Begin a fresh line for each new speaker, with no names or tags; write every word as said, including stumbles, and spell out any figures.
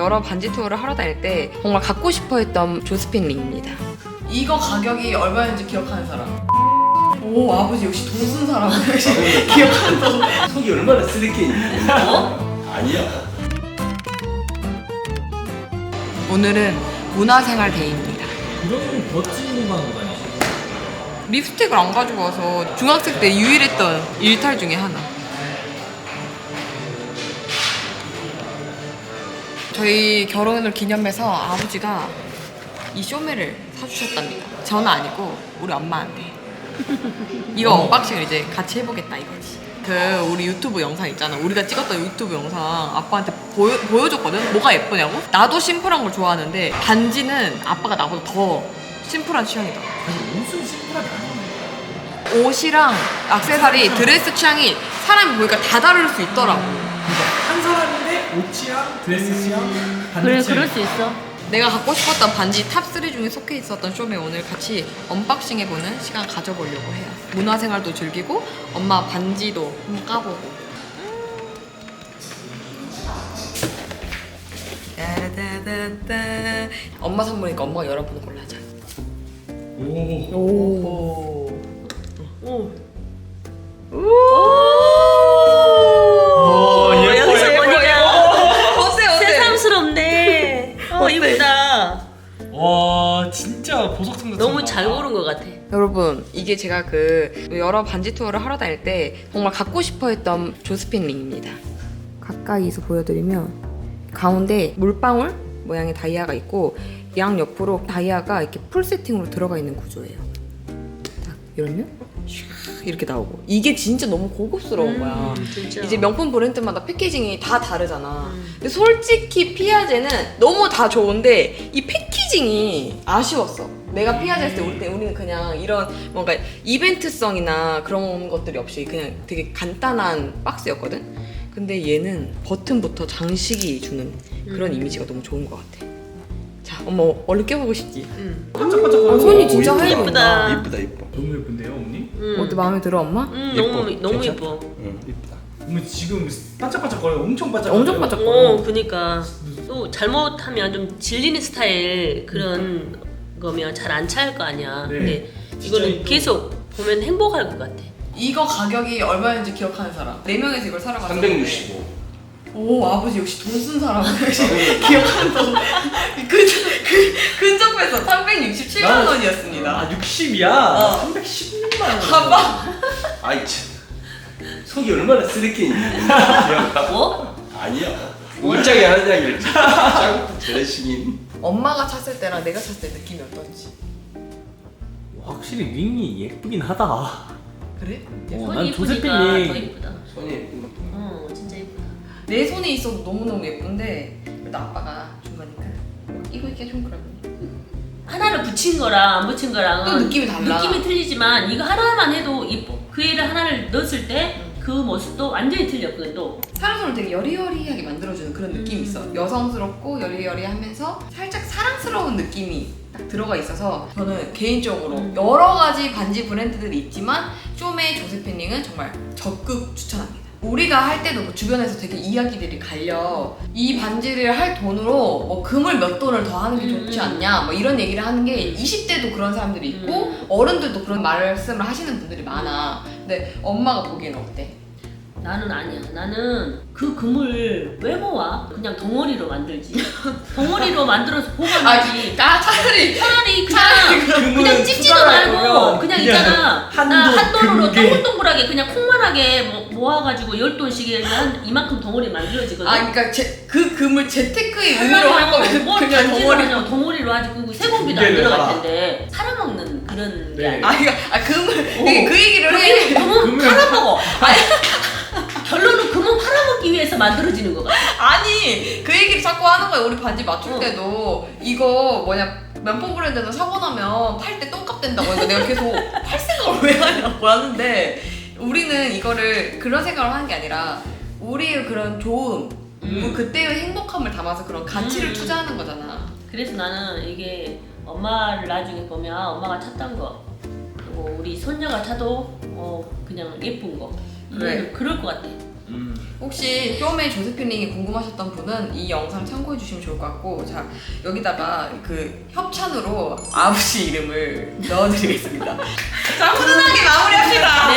여러 반지 투어를 하러 다닐 때 정말 갖고 싶어 했던 조스핀 링입니다. 이거 가격이 얼마였는지 기억하는 사람? 오, 아버지 역시 돈 쓴 사람. 기억한다.
속이 얼마나 쓰레기인지. 어? 아니야.
오늘은 문화생활 데이입니다.
이런 멋진 것만 하고 다니시.
립스틱을 안 가지고 와서 중학생 때 유일했던 일탈 중에 하나. 저희 결혼을 기념해서 아버지가 이 쇼메를 사주셨답니다. 저는 아니고 우리 엄마한테. 이거 언박싱을 이제 같이 해보겠다 이거지. 그 우리 유튜브 영상 있잖아. 우리가 찍었던 유튜브 영상 아빠한테 보여, 보여줬거든? 뭐가 예쁘냐고? 나도 심플한 걸 좋아하는데 반지는 아빠가 나보다 더 심플한 취향이다.
아니 옷은 심플하게 안 입는 거야.
옷이랑 액세서리, 드레스 취향이 사람이 보니까 다 다를 수 있더라고.
그러니까 한 사람인데 옷 취향, 드레스 취향, 반지
그래
취향.
그럴 수 있어.
내가 갖고 싶었던 반지 탑 쓰리 중에 속해 있었던 쇼메 오늘 같이 언박싱 해보는 시간 가져보려고 해요. 문화생활도 즐기고 엄마 반지도 한번 까보고. 따다다다. 엄마 선물이니까 엄마가 여러분을 골라줘.
오.
오.
오.
오, 예뻐,
여기서
예뻐,
보니까
어때 어때?
새삼스럽네. 어 이쁘다.
와 진짜 보석 상자.
너무 잘 고른 것 같아.
여러분 이게 제가 그 여러 반지 투어를 하러 다닐 때 정말 갖고 싶어 했던 조스핀 링입니다. 가까이서 보여드리면 가운데 물방울 모양의 다이아가 있고 양 옆으로 다이아가 이렇게 풀 세팅으로 들어가 있는 구조예요. 딱 이러면 슉 이렇게 나오고 이게 진짜 너무 고급스러운 거야.
음, 진짜.
이제 명품 브랜드마다 패키징이 다 다르잖아.
음.
근데 솔직히 피아제는 너무 다 좋은데 이 패키징이 아쉬웠어. 내가 피아제 했을 때 우리 때 우리는 그냥 이런 뭔가 이벤트성이나 그런 것들이 없이 그냥 되게 간단한 박스였거든. 근데 얘는 버튼부터 장식이 주는 그런
음.
이미지가 너무 좋은 것 같아. 자, 엄마 얼른 껴보고 싶지?
음.
반짝반짝.
아, 손이 진짜
오,
하얘
예쁘다.
보인다.
이쁘다 이뻐.
너무 예쁜데요, 어머니?
음.
어때 마음에 들어 엄마?
음,
예뻐.
너무 너무
괜찮다.
예뻐.
응 이쁘다.
어머니 지금 반짝반짝거려. 엄청 반짝.
엄청 반짝.
어, 그니까 또 잘못하면 좀 질리는 스타일 그런 거면 잘 안 차일 거 아니야.
네.
근데
진짜
이거는
이거-
계속 보면 행복할 것 같아.
이거 가격이 얼마였는지 기억하는 사람? 네 명에서 이걸 사러 갔어.
삼백육십오.
오, 아버지 역시 돈 쓴 사람. 기억한다. 근, 근, 근접해서 삼백육십칠만 원이었습니다.
아 육십이야.
어.
삼백십육만 원.
봐봐.
아이 참. 속이 얼마나 쓰레기인지. 기억나?
뭐?
아니야. 울짝이 하는 이야기를 짜고 저래시긴.
엄마가 찼을 때랑 내가 찼을 때 느낌이 어떤지.
확실히 링이 예쁘긴 하다.
그래?
어,
손이
난
예쁘니까
조세핀
더
링.
예쁘다.
손이 예쁜 것도.
어, 진짜 예쁘다.
내 손에 있어도 너무너무 예쁜데 그래도 아빠가 준 거니까 이거 입기가 좀 그러고.
하나를 붙인 거랑 안 붙인 거랑
또 느낌이 달라.
느낌이 틀리지만 이거 하나만 해도 예뻐. 그 애를 하나를 넣었을 때 그 모습도 완전히 틀렸거든 또.
사람 손을 되게 여리여리하게 만들어주는 그런 느낌이 있어. 여성스럽고 여리여리하면서 살짝 사랑스러운 느낌이 딱 들어가 있어서 저는 개인적으로
음.
여러 가지 반지 브랜드들이 있지만 쇼메 조세핀 링은 정말 적극 추천합니다. 우리가 할 때도 그 주변에서 되게 이야기들이 갈려. 이 반지를 할 돈으로 뭐 금을 몇 돈을 더 하는 게 좋지 않냐 뭐 이런 얘기를 하는 게 이십 대도 그런 사람들이 있고
음.
어른들도 그런 말씀을 하시는 분들이 많아. 근데 엄마가 보기에는 어때?
나는 아니야. 나는 그 금을 왜 모아? 그냥 덩어리로 만들지. 덩어리로 만들어서 보관하지.
아, 차라리
차라리 그냥
금은
그냥 찝지도
숟가락에
말고
보면
그냥
그냥
있잖아.
한도,
나 한 돈으로
금괴.
동글동글하게 그냥 콩만하게 모- 모아가지고 열 돈씩 한 이만큼 덩어리 만들어지거든.
아, 그러니까 제, 그 금을 재테크의 의미로 할 거면
뭘
그냥
반지로
덩어리.
하냐고 덩어리로 하지. 그 세공비도 안
금괴를
들어갈
하라.
텐데 살아먹는 그런 게
네.
아니야.
아, 그러니까 아, 금을
오.
그, 그 얘기를 해.
금은
금은-
팔아먹어. 결론은 금은 팔아먹기 위해서 만들어지는 거가.
아니, 그 얘기를 자꾸 하는 거야. 우리 반지 맞출
어.
때도 이거 뭐냐 명품 브랜드에서 사고 나면 팔 때 똥값 된다고. 그러니까 내가 계속 팔 생각을 왜 하냐고 하는데 우리는 이거를 그런 생각을 하는 게 아니라 우리의 그런 좋음,
음.
그때의 행복함을 담아서 그런 가치를
음.
투자하는 거잖아.
그래서 나는 이게 엄마를 나중에 보면 엄마가 찼던 거 그리고 우리 손녀가 차도 어 그냥 예쁜 거
그래.
그래. 그럴 것 같아.
음.
혹시 쇼메이 조세핀링이 궁금하셨던 분은 이 영상 참고해 주시면 좋을 것 같고, 자 여기다가 그 협찬으로 아버지 이름을 넣어드리겠습니다. 자 훈훈하게 마무리합시다.